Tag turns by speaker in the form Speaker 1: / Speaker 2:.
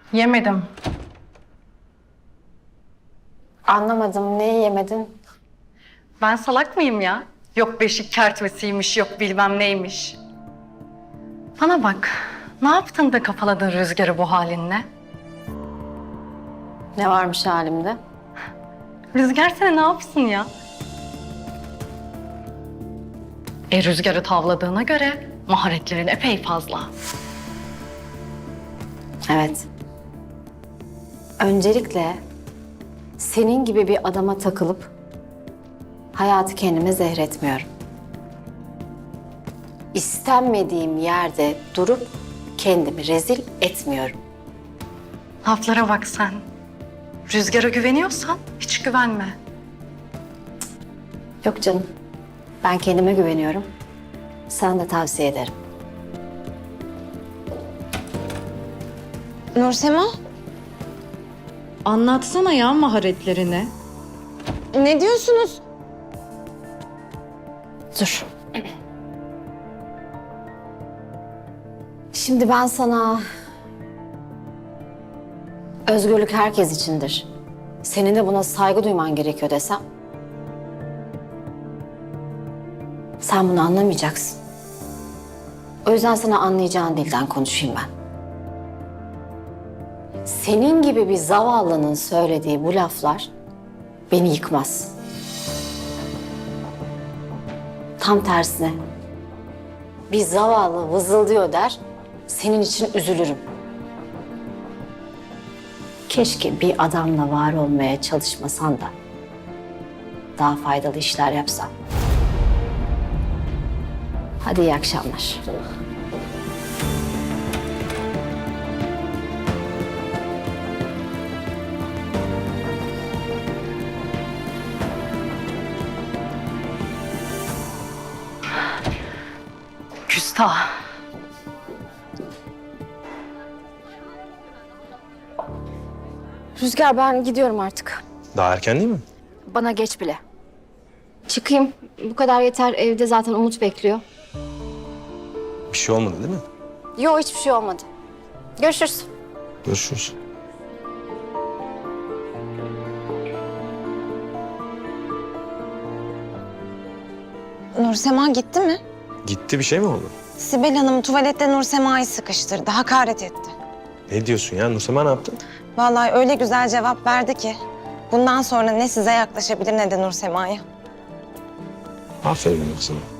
Speaker 1: Yemedim.
Speaker 2: Anlamadım. Neyi yemedin?
Speaker 1: Ben salak mıyım ya? Yok beşik kertmesiymiş, yok bilmem neymiş. Bana bak, ne yaptın da kafaladın Rüzgar'ı bu halinle?
Speaker 2: Ne varmış halimde?
Speaker 1: Rüzgar seni ne yapsın ya? Rüzgar'ı tavladığına göre maharetlerin epey fazla.
Speaker 2: Evet. Öncelikle senin gibi bir adama takılıp hayatı kendime zehretmiyorum. İstenmediğim yerde durup kendimi rezil etmiyorum.
Speaker 1: Laflara bak sen. Rüzgar'a güveniyorsan hiç güvenme.
Speaker 2: Yok canım. Ben kendime güveniyorum. Sana da tavsiye ederim.
Speaker 3: Nursema,
Speaker 1: Anlatsana ya maharetlerini.
Speaker 3: ne diyorsunuz?
Speaker 2: Dur. Şimdi ben sana özgürlük herkes içindir. Senin de buna saygı duyman gerekiyor desem, sen bunu anlamayacaksın. O yüzden sana anlayacağın dilden konuşayım ben. Senin gibi bir zavallının söylediği bu laflar beni yıkmaz. Tam tersine bir zavallı vızıldıyor der, senin için üzülürüm. Keşke bir adamla var olmaya çalışmasan da daha faydalı işler yapsan. Hadi iyi akşamlar.
Speaker 1: Küstah.
Speaker 2: Rüzgar, ben gidiyorum artık.
Speaker 4: Daha erken değil mi?
Speaker 2: Bana geç bile. Çıkayım. Bu kadar yeter. Evde zaten Umut bekliyor.
Speaker 4: Bir şey olmadı değil mi?
Speaker 2: Yok, hiçbir şey olmadı. Görüşürüz.
Speaker 4: Görüşürüz.
Speaker 3: Nursema gitti mi?
Speaker 4: Gitti, bir şey mi oldu?
Speaker 3: Sibel Hanım tuvalette Nursema'yı sıkıştırdı, hakaret etti.
Speaker 4: Ne diyorsun ya? Nursema ne yaptı?
Speaker 3: Vallahi öyle güzel cevap verdi ki. Bundan sonra ne size yaklaşabilir ne de Nursema'ya.
Speaker 4: Aferin kızım.